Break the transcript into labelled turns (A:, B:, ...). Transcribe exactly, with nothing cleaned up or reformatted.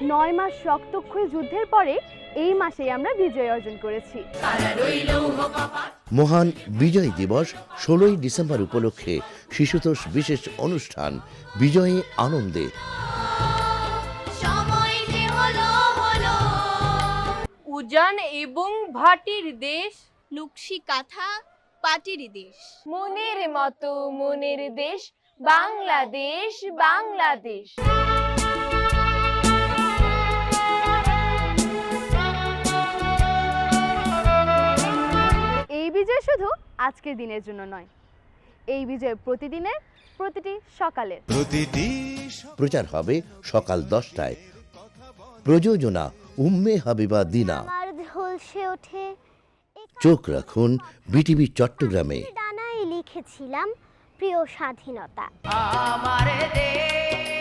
A: নয় মাস রক্তক্ষয়ী যুদ্ধের পরে এই মাসেই আমরা বিজয় অর্জন করেছি।
B: মহান বিজয় দিবস ষোলোই ডিসেম্বর উপলক্ষে শিশুতোষ বিশেষ অনুষ্ঠান বিজয়ী আনন্দে।
C: উজান এবং ভাটির দেশ,
D: নকশি কাঁথা পাটির দেশ,
C: মনের মতো মনের দেশ বাংলাদেশ, বাংলাদেশ।
A: এই বিজয় শুধু আজকের দিনের জন্য নয়, এই বিজয় প্রতিদিনের, প্রতিটি সকালের।
B: প্রচার হবে সকাল দশটায়। প্রযোজনা উম্মে হাবিবা দিনা।
D: আমার ঝলসে ওঠে
B: চোখ রাখুন বিটিভি চট্টগ্রামে।
D: ডানায় লিখেছিলাম প্রিয় স্বাধীনতা।
C: আমার দেশ।